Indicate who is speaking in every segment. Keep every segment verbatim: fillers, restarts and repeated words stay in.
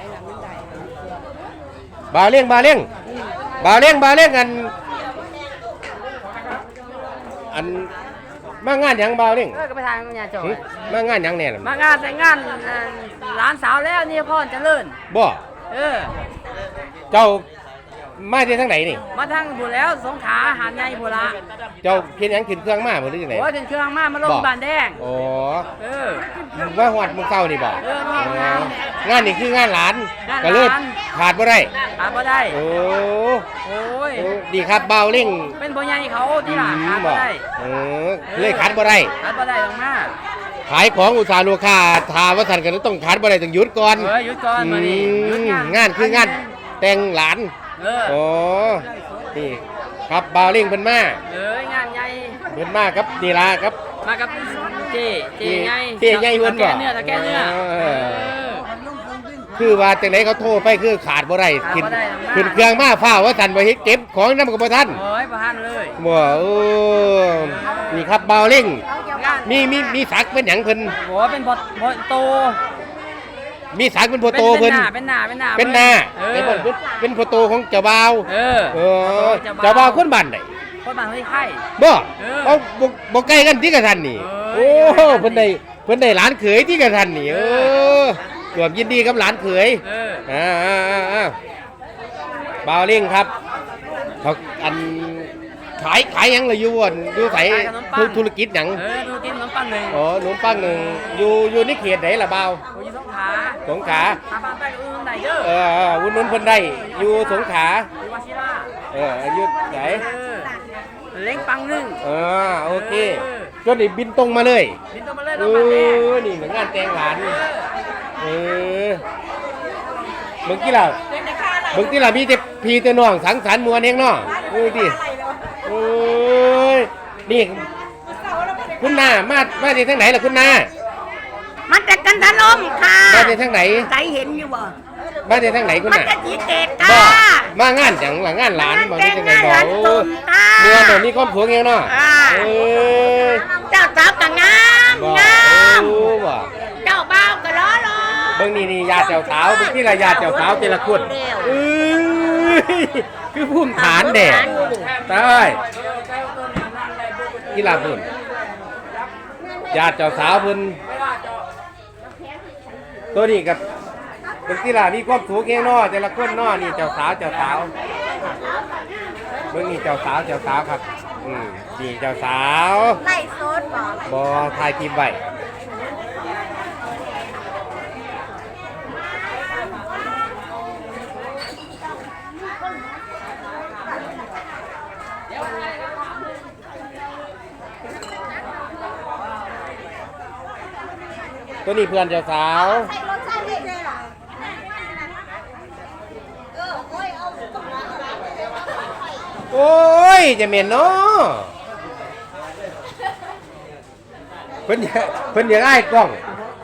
Speaker 1: บาเลี้ยงบาเลี้ยงบาเลี้ยงบาเลี้ยงกันอันมางานยังบาเลี้ยง
Speaker 2: เออก็ไปทานงานจอย
Speaker 1: มางานยังเนี่ย
Speaker 2: มางานแต่งงานร้านสาวแล้วนี่พ่อเจริญ
Speaker 1: บ่
Speaker 2: เออ
Speaker 1: เจ้ามาที่ทางไหนนี่
Speaker 2: มาทางผู้แล้วสงขลาหาดใหญ่ผู้ละ
Speaker 1: เจ้าเพียงยังขึ้นเครื่องมาบ่หรือจังได๋
Speaker 2: โอ้ยขึ้นเครื่องมามาลงบ้านแดง
Speaker 1: อ๋อ
Speaker 2: เออ
Speaker 1: ว่าฮอดมื้อเช้านี่บ่
Speaker 2: เอองาน
Speaker 1: งานนี่คืองานหลานก็เลยขาดบ่ได้
Speaker 2: ขาดบ่ได้
Speaker 1: โอ้
Speaker 2: โอ้ย
Speaker 1: ดีครับเบาเร่ง
Speaker 2: เป็นบ่ใหญ่เขาที่ล่ะขาดบ่ได้
Speaker 1: เออเลยขาดบ่ได้
Speaker 2: ขาดบ่ได้ลงมา
Speaker 1: ขายของอุตสาหลูกค้าทาว่าท่านก็ต้องขาดบ่ได้ต้องหยุดก่อน
Speaker 2: เออหยุดก่อนมื้อนี้หยุดงาน
Speaker 1: งานคืองานแต่งหลาน
Speaker 2: เออ
Speaker 1: โอ้นี่ครับเบาเร่งเพิ่นมา
Speaker 2: เอ้ยงานใหญ่
Speaker 1: เพิ่นมาครับนี่ล่ะครับ
Speaker 2: มากับเจ๊เจ๊ใหญ่
Speaker 1: เจ๊ใหญ่เพิ่นบ่
Speaker 2: เนื้อตะแกเนื้อ
Speaker 1: คือว่าจังได๋เขาโทรไปคือขาดบ่ได้ขึ้นขึ้นเครื่องมาฟ้าว่าท่านบ่เฮ็ดเก็บของนำก็บ่ทัน
Speaker 2: โอ้ยบ่ทันเลย
Speaker 1: บ่เออนี่ครับเบาเร่งมีมีมีศักดิ์เป็นหยังเพิ่น
Speaker 2: โอ้เป็นบ่บ่โต
Speaker 1: มีศักดิ์เป็นพ่อโตเพิ่น
Speaker 2: เป็นหน้าเป็นหน้า
Speaker 1: เป็นหน้าเป็นบ่เป็นพ่อโตของเจ้าบ่าว
Speaker 2: เออ
Speaker 1: เออเจ้าบ่าวคนบ้านใด
Speaker 2: คนบ้านห้วยไข่
Speaker 1: บ่เอ้าบ่บ่ใกล้กันที่กะทันนี่โอ้เพิ่นได้เพิ่นได้หลานเขยที่กะทันนี่เออร่วมยินดีกับหลานเขย
Speaker 2: เออ
Speaker 1: อ่าๆๆบ่าวเร่งครับเขาอันขายขายหยังล่ะอยู่บ่อยู่ไสธุรกิจหยัง
Speaker 2: เออธุรกิจขนมปังนึง
Speaker 1: อ๋อขนมปังนึงอยู่อยู่ในเขตไหนล่ะบ่าว
Speaker 2: อยู่สงขลา
Speaker 1: สงขลา
Speaker 2: หาบ้านไปอื่นได้เด้อ
Speaker 1: เออๆอุ่นนุนเพิ่นได้อยู่สงขลา
Speaker 2: อยู่วชิระ
Speaker 1: เอออยู่ไหน
Speaker 2: เล้งปังนึง
Speaker 1: เออโอเคจนนี่บินตรงมาเลย
Speaker 2: บินตรงมาเลย
Speaker 1: เออนี่เหมือนงานแต่งหลานเออเมื่อกี้ล่ะเมื่อกี้ล่ะมีแต่พี่แต่น้องสังสรรค์มวลเองเนาะเออดิโอ้ยนี่คุณนามามาจากทางไหนล่ะคุณนา
Speaker 3: มาจากกันทะลมค่ะ
Speaker 1: มาจากทางไหน
Speaker 3: ใจเห็นอยู่บ่
Speaker 1: มาจากทางไหนคุณนา
Speaker 3: มาจากสีเกตค่ะ
Speaker 1: มางานจังหลังงานหลานบ่มีจังได๋บ่โอ้
Speaker 3: เ
Speaker 1: มื่อบ่มีความสุขแฮงเนาะ
Speaker 3: เออเจ้าสาวก็งามงาม
Speaker 1: โอ้บ่
Speaker 3: เจ้าบ่าวก็ล้อรอ
Speaker 1: เบิ่งนี่นี่ญาติเจ้าสาวเบิ่งที่ละญาติเจ้าสาวแต่ละคนเอ้ยคือภูมิฐานแด่ตายกีฬาพุ่นญาติเจ้าสาวเพิ่นตัวนี้กับเป็นกีฬามีความสูงแค่นอแต่ละคนนอนี่เจ้าสาวเจ้าสาวเบิ่งนี่เจ้าสาวเจ้าสาวครับอืมนี่เจ้าสาว
Speaker 3: ไล่โซดบ่
Speaker 1: บ่ถ่ายคลิปไว้ตัวนี้เพื่อนเจ้าสาวโอ้ยจะเหม็นเนาะเพิ่นเพิ่นอยากอ้ายกล้อง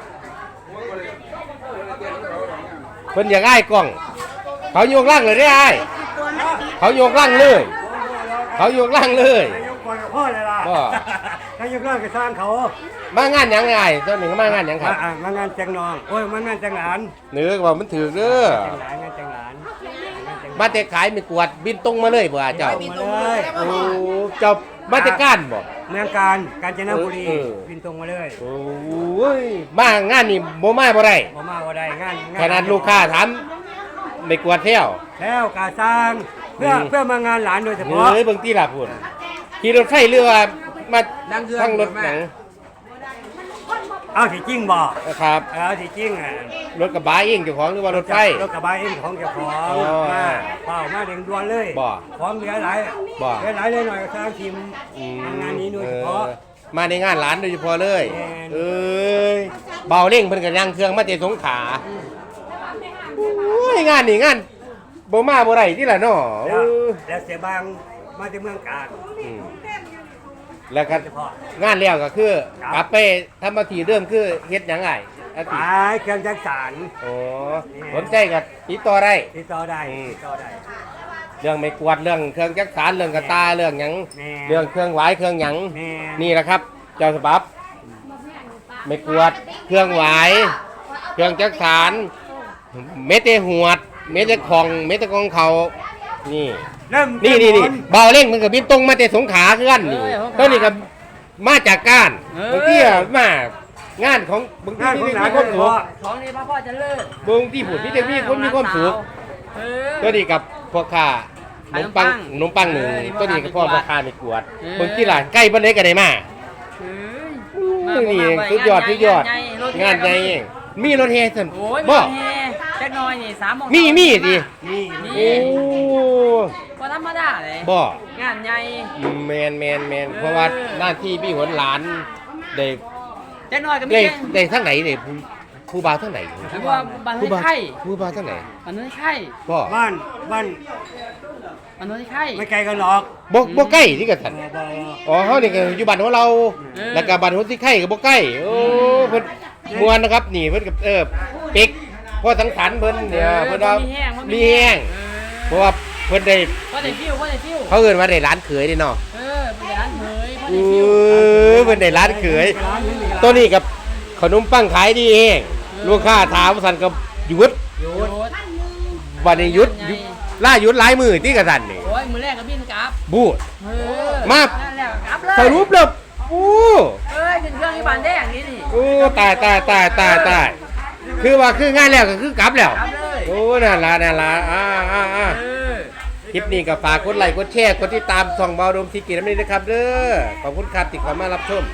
Speaker 1: เพิ่นอยากอ้ายกล้องเขาโยกล่างเลยได้อ้ายเขาโยกล่างเลยเขาโยกล่างเลย
Speaker 4: พ่อเลยล่ะถ้ายกเลิกก็สร้างเขา
Speaker 1: มางานยังไงเจ้าหนึ่งมางานยังครับ
Speaker 4: มางานแจงนองโอ้ยมางานแจงหลาน
Speaker 1: เนื้อว่ามันถือเด้อ
Speaker 4: แจงหลานงานแจงหลาน
Speaker 1: มาแต่ขายไม่กวดบินตรงมาเลยบ่เจ้า
Speaker 4: บินตรงมาเลย
Speaker 1: โอ้เจ้ามาแต่ก้านบ่
Speaker 4: เมืองการกาญจนบุรีบินตรงมาเลย
Speaker 1: โอ้ยมางานนี่บ่มาบ่ได้
Speaker 4: บ่มาบ่ได้งาน
Speaker 1: ขนาดลูกค้าถามไม่กวดเที่ยว
Speaker 4: แล้วกาสร้างเพื่อเพื่อมางานหลานโดยเฉพาะ
Speaker 1: เฮ้ยเบิ่งที่ล่ะพุ่นขี่รถไฟเรือมาทั้งรถหนัง
Speaker 4: เอาสิจริงบ่
Speaker 1: ครับ
Speaker 4: เอาสิจริงอ่ะ
Speaker 1: รถกระบะเองเจ้าของหรือว่ารถไฟ
Speaker 4: รถกระบะเองของเจ้าของมาเปล่ามาเร่งด่วนเลย
Speaker 1: บ่
Speaker 4: ของเหลือหลาย
Speaker 1: บ่
Speaker 4: เหลือหลายเลยหน่อยก็สร้างทีมงานนี้โดยเฉพาะ
Speaker 1: มาในงานร้านโดยเฉพาะเลยเอ้ยเบาเร่งเพิ่นก็ยังเครื่องมาแต่สงขลาโอ้ยงานนี่งานบ่มาบ่ได้ที่ล่ะเนาะ
Speaker 4: แล้วเสียบางมาที่เมืองกาญ
Speaker 1: แล้วก็งานแล้วก็คือกลับไปทำมาทีเรื่องคือเฮ็ดหยังไงอาทิตย์
Speaker 4: เครื่องจักสาน
Speaker 1: โอ้สนใจกับติดต่อได้
Speaker 4: ติดต่อได้ติดต่อได้
Speaker 1: เรื่องไม่กวาดเรื่องเครื่องจักสานเรื่องกระตาเรื่องหยังเรื่องเครื่องหวายเครื่องหยังนี่แหละครับเจ้าฉบับไม่กวาดเครื่องหวายเครื่องจักสานเม็ดแต่หวด เม็ดแต่ของเม็ดแต่กองเขานี่
Speaker 4: เริ่ม
Speaker 1: นี่นี่นี่เบาเร่งมันกับบินตรงมาแต่สงขลาคือกันนี่ต้นนี้ก็มาจากก้านบางทีอะมางานของบางที
Speaker 4: งานของ
Speaker 1: มี
Speaker 4: หลาน
Speaker 1: ความสุข
Speaker 2: ของนี้พ่อพ่อจะเลิก
Speaker 1: บางทีผุดมีแต่มีคนมีความสุข
Speaker 2: เออ
Speaker 1: ตัวนี้กับพวกข้าขนมปัง
Speaker 2: ข
Speaker 1: ข
Speaker 2: น
Speaker 1: น
Speaker 2: ม
Speaker 1: ม
Speaker 2: ปั
Speaker 1: ปั
Speaker 2: ง
Speaker 1: งหนึ่ง
Speaker 2: เออ
Speaker 1: ตัวนี้กับพ่อ
Speaker 2: พ่อ
Speaker 1: รา
Speaker 2: ค้า
Speaker 1: คาไม่กวด
Speaker 2: เออ
Speaker 1: บางทีหลานใกล้บ้านไหนก็ได้มา
Speaker 2: เฮ้ย
Speaker 1: นี่
Speaker 2: มา
Speaker 1: สุดยอด
Speaker 2: งาน
Speaker 1: สุดยอด
Speaker 2: งานใหญ่รถแห่
Speaker 1: งานใหญ่เองมีรถแห่สัน
Speaker 2: โอ้ย
Speaker 1: บ่
Speaker 2: มาแห่แจ็คน้อยนี่สามโมง
Speaker 1: มีมีดิ
Speaker 4: นี่
Speaker 1: โอ้
Speaker 2: ก็ธรรมดาเลย
Speaker 1: บ่
Speaker 2: งานใหญ่
Speaker 1: แมนแมนแมนเพราะว่าหน้าที่พี่หนหลานได้
Speaker 2: แจ็คน้อยก็มี
Speaker 1: ได้
Speaker 2: แค่
Speaker 1: ได้ทั้งไหนเนี่ยผู้ผู้บ่าวทั้งไหน
Speaker 2: หรือว่าบ้าน
Speaker 1: ผู้
Speaker 2: น้
Speaker 1: บ่า
Speaker 2: อ
Speaker 1: วย
Speaker 2: ไข่
Speaker 1: ผู้บ่าวทั้งไหน
Speaker 2: บ้านน้อยไข่
Speaker 1: บ่
Speaker 4: บ้านบ้าน
Speaker 2: บ้านน้อยไข่
Speaker 4: ไม่ไกลกันหรอก
Speaker 1: บ่บ่ใกล้ที่กันสัน
Speaker 4: บ่บ่
Speaker 1: อ๋อเฮานี่ก็อยู่บ้านของเรา
Speaker 2: เออ
Speaker 1: แล้วก็บ้านคนที่ไข่ก็บ่ใกล้โอ้เพิ่นมวนนะครับนี่เพิ่นกับเออปิกพ่อสังสรรค์เพิ่นเนี่ยเพิ่นว่า
Speaker 2: มีแห้ง
Speaker 1: มีแห้งเพราะว่าเพิ่นได้
Speaker 2: พ่อได้ฟิวพ่อได้ฟิว
Speaker 1: เขาเอิ้นว่าได้ร้านเขยเด้เนาะ
Speaker 2: เออเป็นร้านเผยพ่อ
Speaker 1: เอ
Speaker 2: ได้ฟิว
Speaker 1: อเพิ่นได้ร้านเขยตัวนี้กับขนมปังขายดีเองลูกค้าถามสั่นก็หยุด
Speaker 2: โยด
Speaker 1: วันนี้หยุดหยุดล่าหยุดหลายมือที่กระสันนี่
Speaker 2: โอ้ยมือแรกก็บินกลับ
Speaker 1: บูด
Speaker 2: เออ
Speaker 1: มา
Speaker 2: นั่นแหละกลับเลย
Speaker 1: สรุปแล้วโอ้
Speaker 2: เอ้ยขึ้นเครื่องที่บ้านแดงนี่นี่
Speaker 1: โอ้ตายตายตายตายตายคือว่าคืองานแล้วก็คือกลับแล้ว
Speaker 2: กลับเลย
Speaker 1: โอ้นั่นละนั่นละอ่าอ่าอ่า
Speaker 2: เออ
Speaker 1: คลิปนี้ก็ฝากกดไลค์กดแชร์กดติดตามส่องเบาดมทีกีน้ำนี้นะครับเด้อขอบคุณครับที่เข้ามารับชม